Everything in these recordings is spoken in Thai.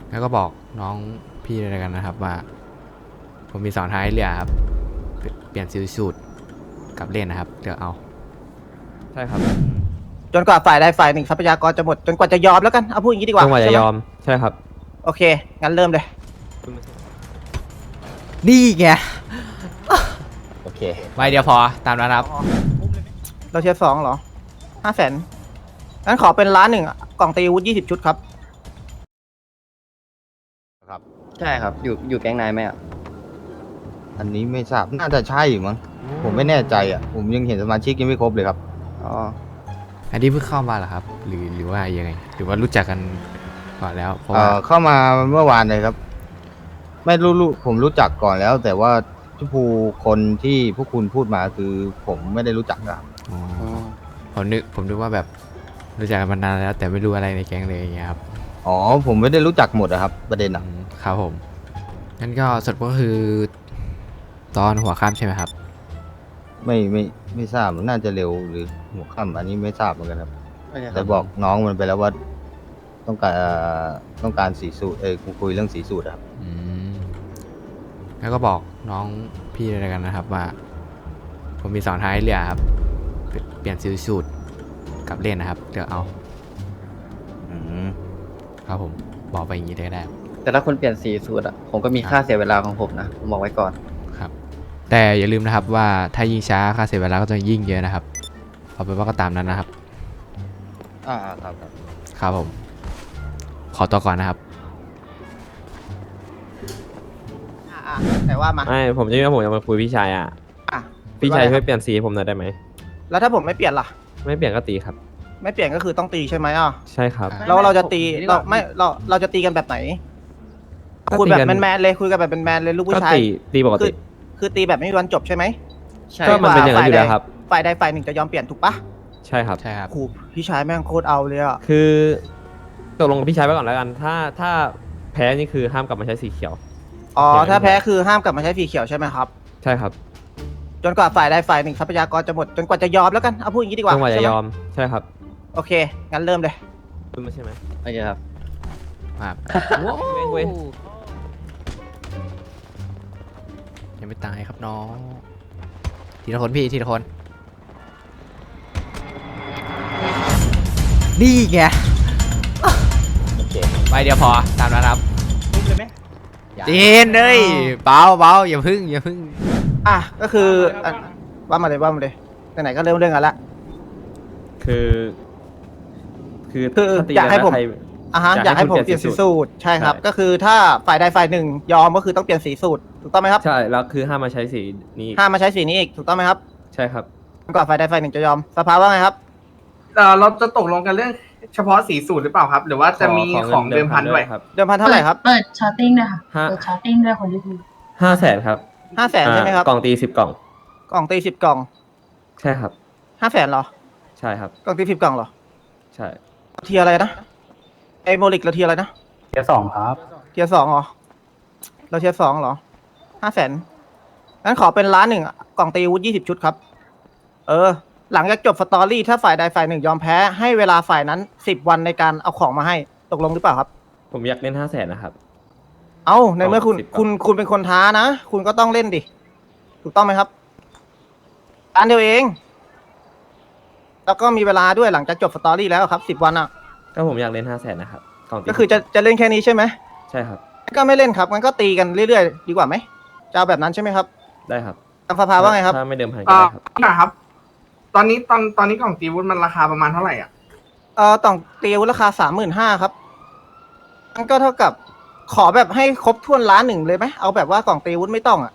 แล้วก็บอกน้องพี่ด้วยกันนะครับว่าผมมี2 ทางให้เลือกครับเปลี่ยนซิลสูตรกับเล่นนะครับเลือกเอาใช่ครับจนกว่าฝ่ายใดฝ่ายหนึ่งทรัพยากรจะหมดจนกว่าจะยอมแล้วกันเอาพูดอย่างนี้ดีกว่าจนกว่าจะยอมใช่ครับโอเคงั้นเริ่มเลยนี่ไงโอเคใบเดียวพอตามนั้นครับเราเชียร์2เหรอ500,000งั้นขอเป็น1,000,000กล่องตีอาวุธ20 ชุดครับใช่ครับอยู่แก๊งนายไหมอ่ะอันนี้ไม่ทราบน่าจะใช่มั้งผมไม่แน่ใจอ่ะผมยังเห็นสมาชิกยังไม่ครบเลยครับอ๋ออันนี้เพิ่งเข้ามาเหรอครับหรือว่ายังไงหรือว่ารู้จักกันก่อนแล้วเพราะว่าเข้ามาเมื่อวานเลยครับไม่รู้ผมรู้จักก่อนแล้ว แต่ว่าที่คนที่พวกคุณพูดมาคือผมไม่ได้รู้จักครับอ๋อผมนึกว่าแบบรู้จักกันมานานแล้วแต่ไม่รู้อะไรในแก๊งเลยอย่างเงี้ยครับอ๋อผมไม่ได้รู้จักหมดอะครับประเด็นอ่ะครับผมงั้นก็สรุดก็คือตอนหัวค่ำใช่ไหมครับไม่ทราบน่าจะเร็วหรือหัวค่ำอันนี้ไม่ทราบเหมือนกันครับแต่บอกน้องมันไปแล้วว่าต้องการสีสูตรคุยเรื่องสีสูตรครับแล้วก็บอกน้องพี่ด้วยกันนะครับว่าผมมี2 ทางให้เลือกครับเปลี่ยนซิลสูตรกับเล่นนะครับเลือกเอาครับผมบอกไปอย่างนี้ได้แต่ถ้าคนเปลี่ยนสีสูตรอ่ะผมก็มีค่าเสียเวลาของผมนะผมบอกไว้ก่อนครับแต่อย่าลืมนะครับว่าถ้ายิ่งช้าค่าเสียเวลาก็จะยิ่งเยอะนะครับเอาเป็นว่าก็ตามนั้นนะครับครับผมขอตัวก่อนนะครับแต่ว่ามาไม่ผมจะมาคุยพี่ชายอ่ะพี่ชายช่วยเปลี่ยนสีให้ผมหน่อยได้ไหมแล้วถ้าผมไม่เปลี่ยนล่ะไม่เปลี่ยนก็ตีครับไม่เปลี่ยนก็คือต้องตีใช่ไหมใช่ครับแล้วเราจะตีเราจะตีกันแบบไหนคุยแบบแมนๆเลยคุยกันแบบแมนๆเลยลูกผู้ชายตีปกติคือตีแบบไม่มีวันจบใช่ไหมใช่ก็มันเป็นอย่างนั้นอยู่แล้วครับฝ่ายใดฝ่ายหนึ่งจะยอมเปลี่ยนถูกปะใช่ครับครูพี่ชายแม่งโคตรเอาเลยอ่ะคือตกลงกับพี่ชายไว้ก่อนแล้วกันถ้าแพ้นี่คือห้ามกลับมาใช้สีเขียวอ๋อถ้าแพ้คือห้ามกลับมาใช้สีเขียวใช่ไหมครับใช่ครับจนกว่าฝ่ายใดฝ่ายหนึ่งทรัพยากรจะหมดจนกว่าจะยอมแล้วกันเอาพูดอย่างนี้ดีกว่าจนกว่าจะยอมใช่ครับโอเคงั้นเริ่มเลยใช่ไหมโอเคครับเว้ยยังไม่ตายครับน้องทีละคนพี่ทีละคนนี่ไงโอเคใบเดียวพอตามนั้นครับเจนเลยเบาอย่าพึ่งก็คือว่ามาเลยไหนๆก็เริ่มเรื่องกันละคืออยากให้ผมอยากให้ผมเปลี่ยนสีสูตรใช่ครับก็คือถ้าฝ่ายใดฝ่ายหนึ่งยอมก็คือต้องเปลี่ยนสีสูตรถูกต้องไหมครับใช่แล้วคือห้ามมาใช้สีนี้ห้ามมาใช้สีนี้อีกถูกต้องไหมครับใช่ครับก่อนฝ่ายใดฝ่ายหนึ่งจะยอมสภาว่าไงครับเราจะตกลงกันเรื่องเฉพาะสีสูตรหรือเปล่าครับหรือว่าจะมีของเดิมพันด้วยครับเดิมพันเท่าไหร่ครับเปิดช้อตติ้งด้วยค่ะเปิดช้อตติ้งด้วยคนที่พูด 500,000ครับ 500,000ใช่ไหมครับกล่องตี10 กล่องกล่องตี10 กล่องใช่ครับ 500,000เหรอใช่ครับกล่องตี10 กล่องเหรอใช่เทียอะไรนะโมลิกเราเทียอะไรนะเทียร์2ครับเทียร์2เหรอเราเทียร์2เหรอ500,000งั้นขอเป็น1,000,000กล่องตีอาวุธ20 ชุดครับหลังจากจบสตอรี่ถ้าฝ่ายใดฝ่ายหนึ่งยอมแพ้ให้เวลาฝ่ายนั้น10 วันในการเอาของมาให้ตกลงหรือเปล่าครับผมอยากเล่น500,000นะครับในเมื่อคุณเป็นคนท้านะคุณก็ต้องเล่นดิถูกต้องไหมครับอันเดียวเองแล้วก็มีเวลาด้วยหลังจากจบสตอรี่แล้วครับ10 วันอ่ะก็ผมอยากเล่น500,000นะครับก็คือจะเล่นแค่นี้ใช่ไหมใช่ครับก็ไม่เล่นครับงั้นก็ตีกันเรื่อยๆดีกว่าไหมจะเอาแบบนั้นใช่ไหมครับได้ครับทางสภาว่าไงครับถ้าไม่เดิมพันก็ได้ครับตอนนี้กล่องตีวุ้นมันราคาประมาณเท่าไหร่อ่ะต่องตีวุ้นราคา35,000ครับมันก็เท่ากับขอแบบให้ครบถ้วน1,000,000เลยไหมเอาแบบว่ากล่องตีวุ้นไม่ต้อง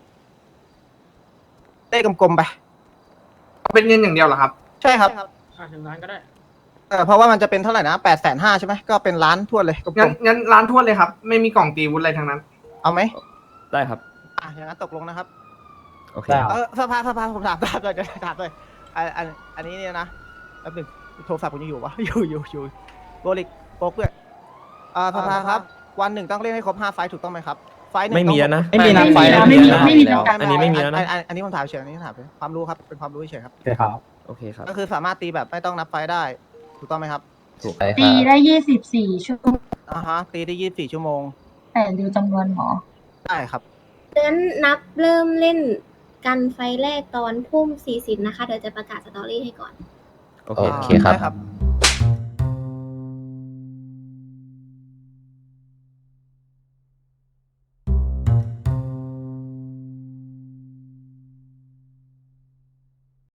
เลขกลมๆไปเป็นเงินอย่างเดียวเหรอครับใช่ครับถึงล้านก็ได้เพราะว่ามันจะเป็นเท่าไหร่นะ850,000ใช่ไหมก็เป็น1,000,000ทั่วเลยงั้นล้านทั่วเลยครับไม่มีกล่องตีวุ้นอะไรทั้งนั้นเอาไหมได้ครับอย่างนั้นตกลงนะครับโอเคสภาผมถามเลยอันนี้เนี่ยนะแป๊บนึงโทรศัพท์ผมยังอยู่วะอยู่โบลิกโป๊กด้วยสภาครับวันหนึ่งต้องเล่นให้ครบ5 ไฟล์ถูกต้องไหมครับไฟล์หนึ่งไม่มีแล้วนะไม่มีนะไฟไม่มีอันนี้ไม่มีแล้วนะอันนี้ผมถามเฉยอันนี้ถามความรู้ครับเป็นความรู้เฉยครับโอเคครับโอเคครับก็คือสามารถตีแบบไม่ต้องนับไฟล์ได้ถูกต้องไหมครับถูกตีได้24 ชั่วโมงตีได้24 ชั่วโมงแต่ดูจำนวนหมอได้ครับงั้นนับเริ่มเล่นกันไฟแรกตอนทุ่ม 40นะคะ เดี๋ยวจะประกาศสตอรี่ให้ก่อนโอเคโอเคครับได้ครับ